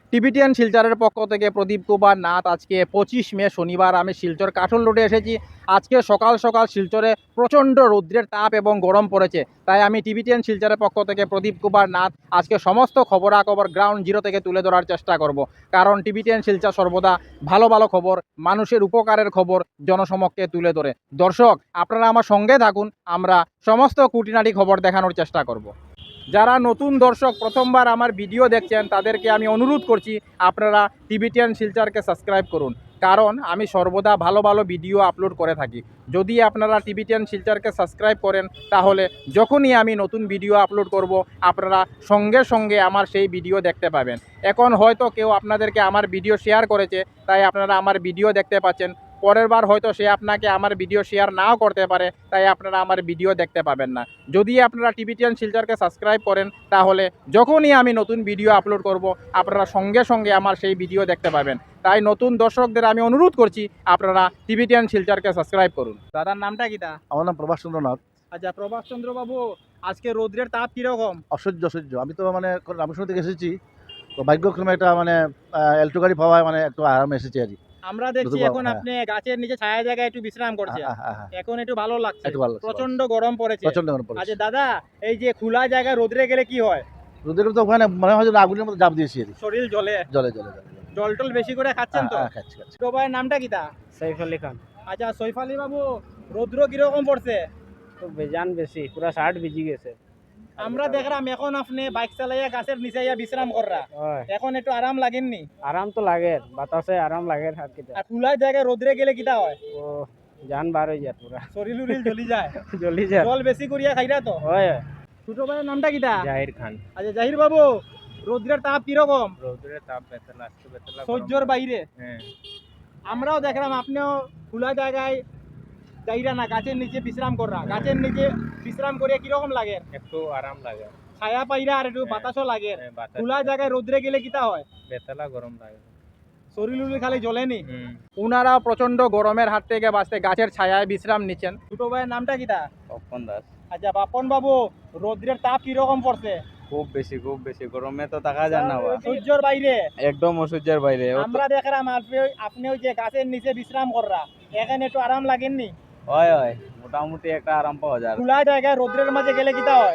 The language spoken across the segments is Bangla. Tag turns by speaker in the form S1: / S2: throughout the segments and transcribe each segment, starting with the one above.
S1: টিবিটিয়ান শিলচরের পক্ষ থেকে প্রদীপ কুমার নাথ। আজকে 25 মে শনিবার আমি শিলচর কাঠল রোডে এসেছি। আজকে সকাল সকাল শিলচরে প্রচণ্ড রৌদ্রের তাপ এবং গরম পড়েছে, তাই আমি টিবিটিয়ান শিলচরের পক্ষ থেকে প্রদীপ কুমার নাথ আজকে সমস্ত খবরাখবর গ্রাউন্ড জিরো থেকে তুলে ধরার চেষ্টা করব। কারণ টিবিটিয়ান শিলচর সর্বদা ভালো ভালো খবর, মানুষের উপকারের খবর জনসমক্ষে তুলে ধরে। দর্শক, আপনারা আমার সঙ্গে থাকুন, আমরা সমস্ত খুঁটিনাটি খবর দেখানোর চেষ্টা করব। যারা নতুন দর্শক প্রথমবার আমার ভিডিও দেখছেন তাদেরকে আমি অনুরোধ করছি আপনারা টিবিটিয়ান শিলচরকে সাবস্ক্রাইব করুন, কারণ আমি সর্বদা ভালো ভালো ভিডিও আপলোড করে থাকি। যদি আপনারা টিবিটিয়ান শিলচরকে সাবস্ক্রাইব করেন তাহলে যখনই আমি নতুন ভিডিও আপলোড করব আপনারা সঙ্গে সঙ্গে আমার সেই ভিডিও দেখতে পাবেন। এখন হয়তো কেউ আপনাদেরকে আমার ভিডিও শেয়ার করেছে, তাই আপনারা আমার ভিডিও দেখতে পাচ্ছেন। পরের বার হয়তো সে আপনাকে আমার ভিডিও শেয়ার নাও করতে পারে, তাই আপনারা আমার ভিডিও দেখতে পাবেন না। যদি আপনারা টিবিটিয়ান শিলচরকে সাবস্ক্রাইব করেন তাহলে যখনই আমি নতুন ভিডিও আপলোড করব আপনারা সঙ্গে সঙ্গে আমার সেই ভিডিও দেখতে পাবেন। তাই নতুন দর্শকদের আমি অনুরোধ করছি আপনারা টিবিটিয়ান শিলচরকে সাবস্ক্রাইব করুন। দাদার নামটা কিটা?
S2: আমার নাম প্রভাস চন্দ্র নাথ।
S1: আচ্ছা, প্রভাস চন্দ্র বাবু, আজকে রৌদ্রের তাপ কিরকম?
S2: অসহ্য। আমি তো মানে রামেশ্বর থেকে এসেছি, তো ভাগ্যক্রমে একটা মানে এলটো গাড়ি পাওয়ায় মানে একটু আরামে এসেছি আর কি।
S1: আমরা দেখছি এখন আপনি গাছের নিচে ছায়া জায়গায় একটু বিশ্রাম করছেন, এখন একটু ভালো লাগছে। প্রচন্ড গরম পড়েছে। আচ্ছা দাদা, এই যে খোলা জায়গায় রোদ্রে গেলে কি হয়?
S2: রোদের তো ওখানে মনে হয় যে আগুনের মধ্যে জাপ দিয়েছি আর কি।
S1: শরীর জ্বলে?
S2: জলে
S1: জল টল বেশি করে খাচ্ছেন তো?
S2: খাচ্ছি।
S1: ছোট ভাইয়ের নামটা কিটা?
S3: সৈফ আলী খান।
S1: আচ্ছা সৈফ আলী বাবু, রৌদ্র কিরকম পড়ছে?
S3: তো বেজান বেশি, পুরা শার্ট ভিজি গেছে।
S1: আমরা দেখলাম এখন আপনি বাইক চালাইয়া গাছের নিচে বিশ্রাম কররা, এখন একটু আরাম লাগেননি?
S3: আরাম তো লাগে, বাতাসে আরাম লাগে।
S1: আর খোলা জায়গায় রোদ্রে গেলে কিটা হয়?
S3: ও জান বার হয়ে যায়, পুরা
S1: শরীর উরিল জ্বলি যায়।
S3: জ্বলি যায়।
S1: জল বেশি করিয়া খাইরা তো?
S3: হয়।
S1: ছোট ভাইয়ের নামটা কিটা?
S3: জাহির খান।
S1: আচ্ছা জাহির বাবু, রোদ্রের তাপ কিরকম?
S3: রৌদ্রের তাপ বেতলা
S1: সহ্যর বাইরে।
S3: হ্যাঁ,
S1: আমরাও দেখলাম আপনিও খোলা জায়গায় যাইরা না, গাছের নিচে বিশ্রাম কররা। গাছের নিচে বিশ্রাম করে কিরকম লাগে?
S3: একটু আরাম লাগে।
S1: ছায়া পাইরা আর একটু বাতাসও লাগে। খোলা জায়গায় রোদ্রে গেলে কিটা হয়?
S3: বেতলা গরম লাগে,
S1: শরীর উরিল খালি জ্বলেনি। উনারা প্রচন্ড গরমের হাত থেকে বাঁচতে গাছের ছায়ায় বিশ্রাম নিচ্ছেন। ছোট ভাইয়ের নামটা কিটা?
S3: তপন দাস।
S1: আচ্ছা বাপন বাবু, রোদ্রের তাপ কিরকম পড়ছে?
S3: খুব বেশি গরমে তো থাকা যায় না,
S1: সহ্যর বাইরে,
S3: একদম অসহ্যের বাইরে।
S1: আমরা দেখলাম আপনি ওই যে গাছের নিচে বিশ্রাম কররা, এখানে একটু আরাম লাগেননি?
S3: হয়, মোটামুটি একটা আরাম পাওয়া যায়।
S1: খোলা জায়গায় রোদ্রের মাঝে গেলে কিটা হয়?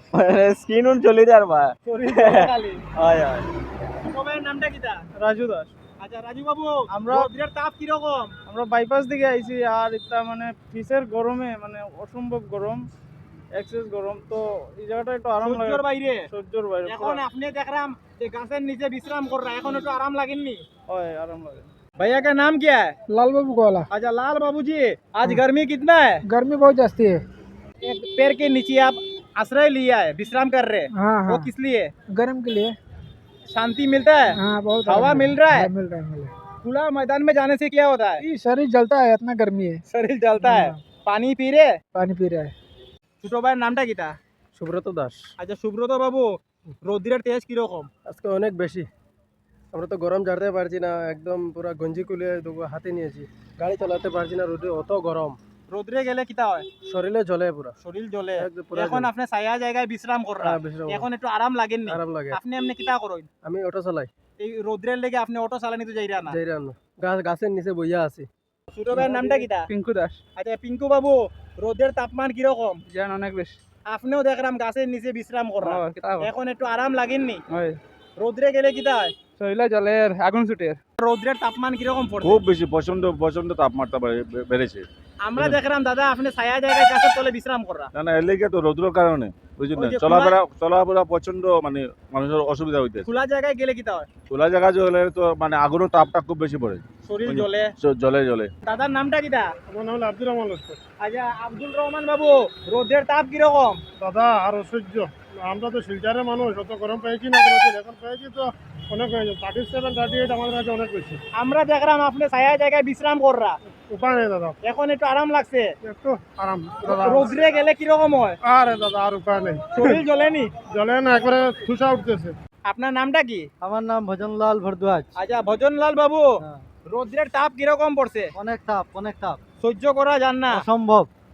S3: স্কিন চলে যায় বা
S1: শরীর জ্বলে খালি।
S3: হয়।
S1: ছোট ভাইয়ের নামটা কিটা?
S3: রাজু দাস।
S1: আচ্ছা রাজু বাবু,
S3: আমরা
S1: রোদ্রের তাপ কিরকম?
S3: আমরা বাইপাস দিকে আইছি, আর এটা মানে ফিসের গরমে মানে অসম্ভব গরম, এক্সেস গরম। তো এই জায়গাটা একটু আরাম লাগে।
S1: সহ্যর বাইরে।
S3: সহ্যর বাইরে।
S1: এখন আপনি দেখলাম যে গাছের নিচে বিশ্রাম কররা, এখন একটু আরাম লাগেননি?
S3: হয়, आराम लगे।
S1: भैया का नाम क्या है?
S4: लाल बाबू को वाला।
S1: अच्छा लाल बाबू जी, आज गर्मी कितना है?
S4: गर्मी बहुत जास्ती है।
S1: एक पेड़ के नीचे आप आश्रय लिया है, विश्राम कर रहे हैं।
S4: हाँ
S1: वो
S4: हाँ,
S1: किस लिए?
S4: गर्म के लिए।
S1: शांति मिलता है?
S4: हाँ बहुत
S1: हवा
S4: आराम
S1: मिल रहा है?
S4: हाँ, मिल रहा है।
S1: खुला मैदान में जाने से क्या होता है?
S4: ये शरीर जलता है, इतना गर्मी है।
S1: शरीर जलता है।
S4: हाँ।
S1: पानी पी रहे?
S4: पानी पी रहा है।
S1: ছোট ভাইয়ের নামটা কিটা?
S3: সুব্রত দাস।
S1: আচ্ছা সুব্রত বাবু, রোদ্রের তেজ কিরকম?
S3: আজকে অনেক বেশি, আমরা তো গরম ঝাড়তে পারছি না, একদম পুরো গঞ্জি খুলে হাতে নিয়েছি, গাড়ি চালাতে পারছি না, রোদে অত গরম।
S1: রোদ্রে গেলে কিটা হয়?
S3: শরীরে জ্বলে পুরা,
S1: শরীর জ্বলে।
S3: একদম পুরা
S1: এখন
S3: জ্বলে।
S1: আপনি ছায়া জায়গায় বিশ্রাম কররা,
S3: বিশ্রাম।
S1: এখন একটু আরাম লাগেননি?
S3: আরাম লাগে।
S1: আপনি এমনি কিটা করেন?
S3: আমি অটো চালাই,
S1: এই রোদ্রের লেগে আপনি অটো চালানি তো যাইরা না?
S3: যাই রান্না, গাছের নিচে বইয়া আছি।
S1: ছোট ভাইয়ের নামটা কিটা?
S3: পিঙ্কু দাস।
S1: আচ্ছা পিঙ্কু বাবু, রোদের তাপমান কিরকম?
S3: জান অনেক বেশি।
S1: আপনিও দেখলাম গাছের নিচে বিশ্রাম করা, এখন একটু আরাম লাগেননি? রোদ্রে গেলে কিটা হয়?
S3: শরীরে জলের আগুন ছুটে।
S1: রোদ্রের তাপমান কিরকম পড়ছে?
S2: খুব বেশি, প্রচন্ড তাপমাত্রা বেড়েছে।
S1: আমরা দেখলাম দাদা আপনি ছায়া জায়গায় গাছের তলে বিশ্রাম করা।
S2: না এর লেগে তো রৌদ্রের কারণে বুঝলেন,
S1: ওই যে
S2: চলাফেরা প্রচন্ড মানে মানুষের অসুবিধা হইতেছে।
S1: খোলা জায়গায় গেলে কিটা হয়?
S2: খোলা জায়গা জলে তো মানে আগুনের তাপটা খুব বেশি পড়ে,
S1: শরীর জ্বলে।
S2: জলে।
S1: দাদার নামটা কিটা?
S3: আমার নাম আব্দুর রহমান লস্কর।
S1: আচ্ছা আব্দুল রহমান বাবু, রোদের তাপ কিরকম?
S3: দাদা আর অসহ্য, আমরা তো শিলচরের মানুষ, অত গরম পেয়েছি না, এখন পেয়েছি তো অনেক হয়েছে, 37, 38 আমাদের কাছে অনেক বেশি।
S1: আমরা দেখলাম আপনি ছায়া জায়গায় বিশ্রাম কররা,
S3: উপায় নেই দাদা,
S1: এখন একটু আরাম লাগছে।
S3: একটু আরাম দাদা।
S1: রোদ্রে গেলে কিরকম হয়?
S3: আরে দাদা আর উপায় নেই,
S1: শরীর জ্বলেনি?
S3: জলে না, একবারে ঠুসা উঠতেছে।
S1: আপনার নামটা কি?
S3: আমার নাম ভজনলাল ভরদ্বাজ।
S1: আচ্ছা ভজনলাল বাবু, রোদ্রের তাপ কিরকম পড়ছে?
S3: অনেক তাপ,
S1: সহ্য করা যান না?
S3: অসম্ভব।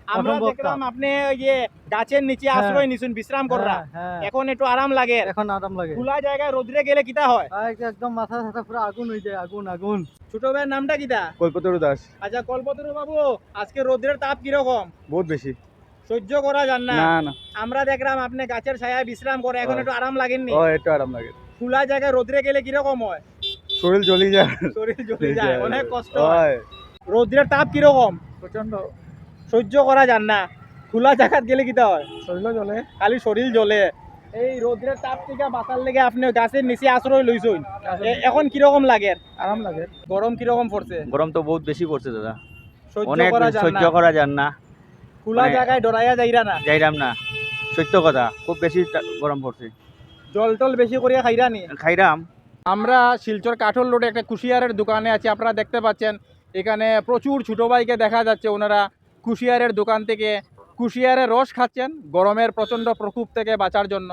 S1: আমরা
S3: অসম্ভব
S1: দেখলাম আপনি ওই যে গাছের নিচে
S3: হ্যাঁ।
S1: আশ্রয় নিছেন বিশ্রাম করা
S3: হ্যাঁ
S1: এখন একটু আরাম লাগে
S3: এখন আরাম লাগে
S1: খোলা জায়গায় রোদ্রে গেলে কিটা হয়
S3: একদম মাথা মাথা পুরো আগুন হয়ে যায় আগুন আগুন
S1: ছোট ভাইয়ের নামটা কিটা
S2: কল্পতরু দাস।
S1: আচ্ছা কল্পতরু বাবু আজকে রোদ্রের তাপ কিরকম
S2: বহুত বেশি।
S1: সহ্য করা যান না
S2: না
S1: আমরা দেখলাম আপনি গাছের ছায়ায় বিশ্রাম করে এখন
S2: হ্যাঁ।
S1: একটু আরাম লাগেননি
S2: একটু আরাম লাগে।
S1: খোলা জায়গায় রোদ্রে গেলে কিরকম হয়
S2: শরীর জ্বলি যায়।
S1: শরীর জ্বলে যায় অনেক কষ্ট হয় রোদ্রের তাপ কিরকম
S4: प्रचंड
S1: সহ্য করা যান না খোলা জায়গা গেলে কিটা হয়
S4: শরীর জ্বলে
S1: খালি শরীর জ্বলে এই রোদ্রের তাপ থেকে বাঁচার লেগে আপনি গাছের নিচে আশ্রয় লইছুন এখন কিরকম লাগে
S4: আরাম লাগে
S1: গরম কিরকম পড়ছে
S5: গরম তো বহুত বেশি পড়ছে দাদা,
S1: সহ্য
S5: অনেক
S1: করা যান
S5: সহ্য
S1: না
S5: করা যান না,
S1: খোলা
S5: মানে-
S1: জায়গায় ডরাইয়া যাইরা না
S5: যাইরাম না, সত্য কথা, খুব বেশি গরম পড়ছে,
S1: জল টল বেশি করিয়া খাইরা নি
S5: খাইরাম।
S1: আমরা শিলচর কাঠল রোডে একটা কুশিয়ারের দোকানে আছি আপনারা দেখতে পাচ্ছেন এখানে প্রচুর ছোটো ভাইকে দেখা যাচ্ছে ওনারা কুশিয়ারের দোকান থেকে কুশিয়ারের রস খাচ্ছেন গরমের প্রচণ্ড প্রকোপ থেকে বাঁচার জন্য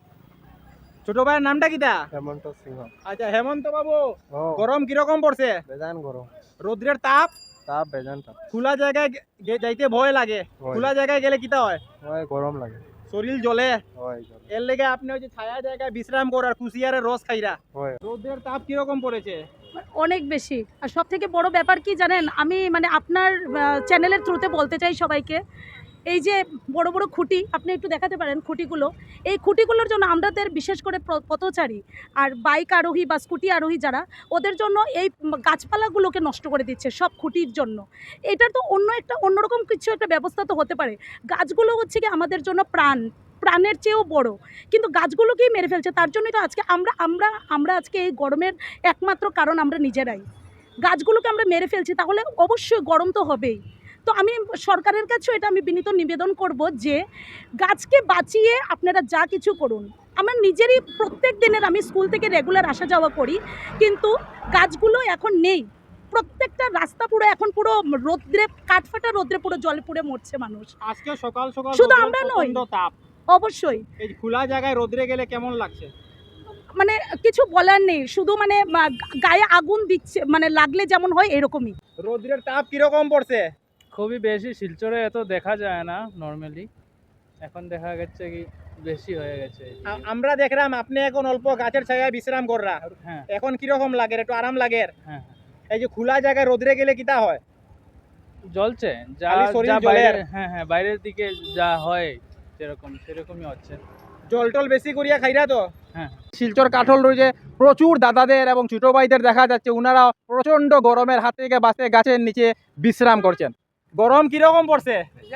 S1: ছোট ভাইয়ের নামটা কিটা
S3: হেমন্ত সিংহ
S1: আচ্ছা হেমন্ত বাবু
S3: ও
S1: গরম কিরকম পড়ছে
S3: বেজান গরম
S1: রোদ্রের তাপ
S3: তাপ বেজান তাপ
S1: খোলা জায়গায় যাইতে ভয় লাগে
S3: হয়।
S1: খোলা জায়গায় গেলে কিটা হয়
S3: হয় গরম লাগে
S1: শরীর জ্বলে
S3: হয়
S1: এর লেগে আপনি ওই যে ছায়া জায়গায় বিশ্রাম করার কুশিয়ারের রস খাইরা
S3: হয়
S1: রোদ্রের তাপ কিরকম পড়েছে
S6: অনেক বেশি। আর সব থেকে বড় ব্যাপার কি জানেন, আমি মানে আপনার চ্যানেলের থ্রুতে বলতে চাই সবাইকে, এই যে বড় বড় খুঁটি আপনি একটু দেখাতে পারেন খুঁটিগুলো, এই খুঁটিগুলোর জন্য আমাদের বিশেষ করে পথচারী আর বাইক আরোহী বা স্কুটি আরোহী যারা, ওদের জন্য এই গাছপালাগুলোকে নষ্ট করে দিচ্ছে সব খুঁটির জন্য। এটার তো অন্যরকম কিছু একটা ব্যবস্থা তো হতে পারে। গাছগুলো হচ্ছে কি আমাদের জন্য প্রাণের চেয়েও বড়, কিন্তু গাছগুলোকেই মেরে ফেলছে। তার জন্যই তো আজকে আমরা আজকে এই গরমের একমাত্র কারণ আমরা নিজেরাই। গাছগুলোকে আমরা মেরে ফেলছি, তাহলে অবশ্যই গরম তো হবেই। তো আমি সরকারের কাছেও এটা আমি বিনীত নিবেদন করব যে গাছকে বাঁচিয়ে আপনারা যা কিছু করুন। আমার নিজেরই প্রত্যেক দিনের, আমি স্কুল থেকে রেগুলার আসা যাওয়া করি, কিন্তু গাছগুলো এখন নেই। প্রত্যেকটা রাস্তা পুরো এখন পুরো রোদ্রে, কাঠফাটা রোদ্রে পুরো জলে পুড়ে মরছে মানুষ।
S1: আজকে সকাল সকাল
S6: শুধু
S1: রোদ্রের
S6: আমরা নই।
S1: প্রচণ্ড তাপ
S6: অবশ্যই
S1: এই খোলা জায়গায় রোদ্রে গেলে কেমন লাগছে
S6: মানে কিছু বলার নেই, শুধু মানে গায়ে আগুন দিচ্ছে, মানে লাগলে যেমন হয় এরকমই।
S1: রোদ্রের তাপ কিরকম পড়ছে
S7: খুবই বেশি। শিলচরে এত দেখা যায় না নর্মালি, এখন দেখা গেছে কি বেশি হয়ে গেছে।
S1: আমরা দেখলাম আপনি এখন অল্প গাছের ছায়ায় বিশ্রাম কররা
S7: হ্যাঁ
S1: এখন কিরকম লাগে একটু আরাম লাগে
S7: হ্যাঁ
S1: এই যে খোলা জায়গায় রোদ্রে গেলে কিটা হয়
S7: জ্বলছে যা
S1: খালি শরীর
S7: যা
S1: জ্বলে।
S7: বাইরের, হ্যাঁ হ্যাঁ বাইরের দিকে যা হয় সেরকমই হচ্ছে।
S1: জল টল বেশি করিয়া খাইরা তো
S7: হ্যাঁ
S1: শিলচর কাঠল রয়েছে প্রচুর দাদাদের এবং ছোট ভাইদের দেখা যাচ্ছে ওনারা প্রচন্ড গরমের হাত থেকে বাঁচতে গাছের নিচে বিশ্রাম করছেন গরম কিরকম পড়ছে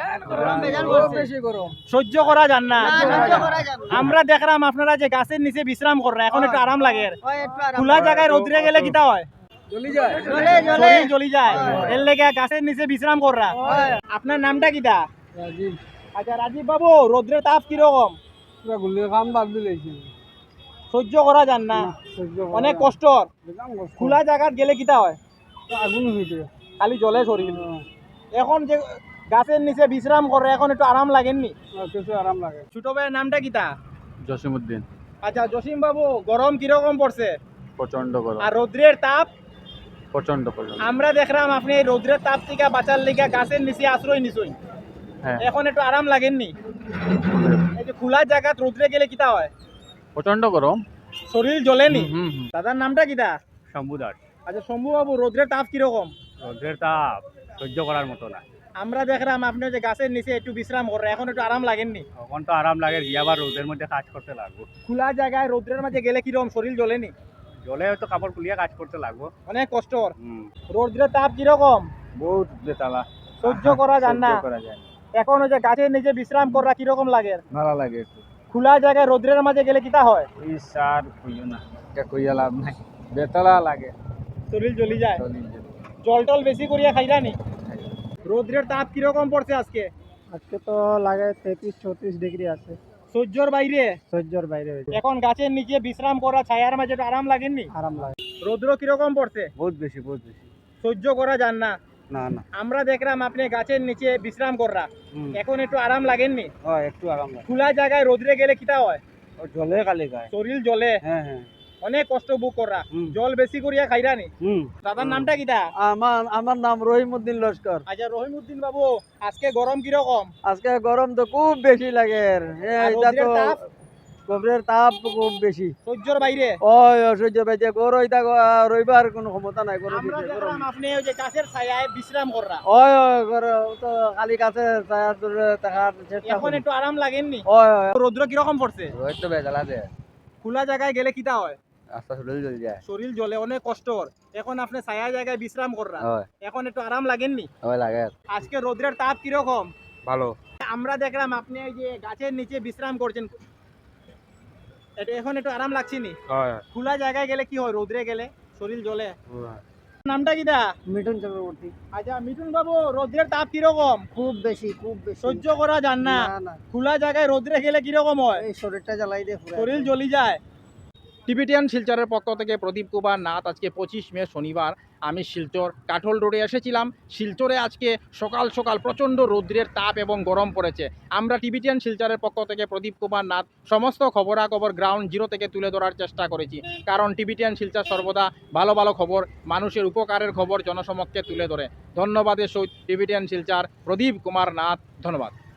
S4: বেশি গরম
S1: সহ্য করা যান না আমরা দেখলাম আপনারা যে গাছের নিচে বিশ্রাম কররা এখন একটু আরাম লাগে খোলা জায়গায় রোদ্রে গেলে কিটা হয়
S4: জ্বলি যায়
S1: শরীর জ্বলি যায় এর লেগে গাছের নিচে বিশ্রাম কররা আপনার নামটা কিটা
S4: রাজীব
S1: আচ্ছা রাজীব বাবু রোদ্রের তাপ কিরকম
S4: পুরা গুলির কাম বাদ দিলেছি
S1: সহ্য করা যান না
S4: সহ্য
S1: অনেক কষ্ট খোলা জায়গায় গেলে কিটা হয়
S4: আগুন হইতে
S1: খালি জলে শরীর এখন যে গাছের নিচে বিশ্রাম করে এখন একটু আরাম লাগেননি
S4: কিছু আরাম লাগে
S1: ছোট ভাইয়ের নামটা কিটা
S5: জসিমউদ্দিন।
S1: আচ্ছা জসিম বাবু গরম কিরকম পড়ছে
S5: প্রচন্ড গরম,
S1: আর রৌদ্রের তাপ
S5: প্রচন্ড।
S1: আমরা দেখলাম আপনি এই রৌদ্রের তাপ থেকে বাঁচার লেগে গাছের নিচে আশ্রয় নিছুই
S5: হ্যাঁ
S1: এখন একটু আরাম লাগেননি এই যে খোলা জায়গা রৌদ্রে গেলে কিটা হয়
S5: প্রচন্ড গরম।
S1: শরীর জ্বলেনি দাদার নামটা কিটা
S5: শম্ভু দাস।
S1: আচ্ছা শম্ভু বাবু রৌদ্রের তাপ কিরকম
S5: রোদের তাপ সহ্য করার মতো না,
S1: আমরা দেখলাম আপনি যে গাছের নিচে একটু বিশ্রাম করে এখন একটু আরাম লাগেননি
S5: তখন তো আরাম লাগে, গিয়ে আবার রোদের মধ্যে কাজ করতে লাগবো,
S1: খোলা জায়গায় রৌদ্রের মাঝে গেলে কিরকম শরীর জ্বলেনি
S5: জলে হয়তো কাপড় খুলিয়ে কাজ করতে লাগবো।
S1: অনেক কষ্ট রৌদ্রের তাপ কিরকম
S5: বহুত বেতালা,
S1: সহ্য করা যান না
S5: করা যায় না।
S1: এখন ওই যে গাছের নিচে বিশ্রাম করা কিরকম লাগে
S5: ভালো লাগে একটু।
S1: খোলা জায়গায় রৌদ্রের মাঝে গেলে কিটা হয়
S5: এই সার কইও না, এটা কইয়া লাভ নাই, বেতালা লাগে,
S1: শরীর জ্বলি যায়
S5: চলি যায়।
S1: জল টল বেশি করিয়া খাইলানি রৌদ্রের তাপ কিরকম পড়ছে আজকে
S3: আজকে তো লাগে 33-34 ডিগ্রি আছে
S1: সহ্যর বাইরে
S3: সহ্যর বাইরে হয়েছে
S1: এখন গাছের নিচে বিশ্রাম করা ছায়ার মাঝে একটু আরাম লাগেননি
S3: আরাম লাগে
S1: রৌদ্র কিরকম পড়ছে
S5: বহুত বেশি বহুত বেশি।
S1: সহ্য করা যান না
S5: না না
S1: আমরা দেখলাম আপনি গাছের নিচে বিশ্রাম কররা এখন একটু আরাম লাগেননি
S5: হয় একটু আরাম লাগে,
S1: খোলা জায়গায় রৌদ্রে গেলে কিটা হয়
S5: জলে কালি গায়।
S1: শরীর জ্বলে
S5: হ্যাঁ হ্যাঁ
S1: অনেক কষ্ট বুক করা জল বেশি করিয়া খাইরানি দাদার নামটা কিটা?
S3: আমার নাম রহিমউদ্দিন লস্কর।
S1: আচ্ছা রহিমউদ্দিন বাবু, আজকে গরম কিরকম?
S3: আজকে গরম তো খুব বেশি লাগে,
S1: আর রোদ্রের তাপ?
S3: গভীরের তাপ খুব বেশি,
S1: সহ্যর বাইরে।
S3: ওই অসহ্য পাইছে, গরু এটা রইবার কোনো ক্ষমতা নাই, গরু
S1: আমরা
S3: দিছে, গরম।
S1: দেখলাম আপনি ওই যে গাছের ছায়ায় বিশ্রাম কররা,
S3: ওই গরু তো খালি কাছে ছায়ার দূরে থাকার চেষ্টা
S1: এখন
S3: করি।
S1: একটু আরাম লাগেননি?
S3: ওই
S1: রৌদ্র কিরকম পড়ছে?
S5: রোহিত তো বেজাল আছে
S1: খোলা জায়গায় গেলে কিটা হয়?
S5: রাস্তা শরীর জ্বল যায়
S1: শরীর জ্বলে, অনেক কষ্ট। এখন আপনি ছায়া জায়গায় বিশ্রাম কররা,
S5: হয়
S1: এখন একটু আরাম লাগেননি?
S5: হয় লাগে
S1: আজকে রৌদ্রের তাপ কিরকম?
S5: ভালো
S1: আমরা দেখলাম আপনি এই যে গাছের নিচে বিশ্রাম করছেন, এটা এখন একটু আরাম লাগছে নি?
S5: হয়
S1: খোলা জায়গায় গেলে কি হয়? রোদ্রে গেলে শরীর জ্বলে। নামটা কিটা?
S3: মিঠুন চক্রবর্তী।
S1: আচ্ছা মিঠুন বাবু, রোদ্রের তাপ কিরকম?
S3: খুব বেশি, খুব বেশি।
S1: সহ্য করা যান না?
S3: না,
S1: খোলা জায়গায় রোদ্রে গেলে কিরকম হয়?
S3: এই শরীরটা জ্বালাই দিয়ে
S1: শরীর জ্বলি যায়। টিবিটিয়ান শিলচরের পক্ষ থেকে প্রদীপ কুমার নাথ। আজকে 25 মে শনিবার আমি শিলচর কাঠল রোডে এসেছিলাম। শিলচরে আজকে সকাল সকাল প্রচণ্ড রৌদ্রের তাপ এবং গরম পড়েছে। আমরা টিবিটিয়ান শিলচরের পক্ষ থেকে প্রদীপ কুমার নাথ সমস্ত খবরাখবর গ্রাউন্ড জিরো থেকে তুলে ধরার চেষ্টা করেছি, কারণ টিবিটিয়ান শিলচর সর্বদা ভালো ভালো খবর, মানুষের উপকারের খবর জনসমক্ষে তুলে ধরে। ধন্যবাদের সহিত টিবিটিয়ান শিলচর প্রদীপ কুমার নাথ, ধন্যবাদ।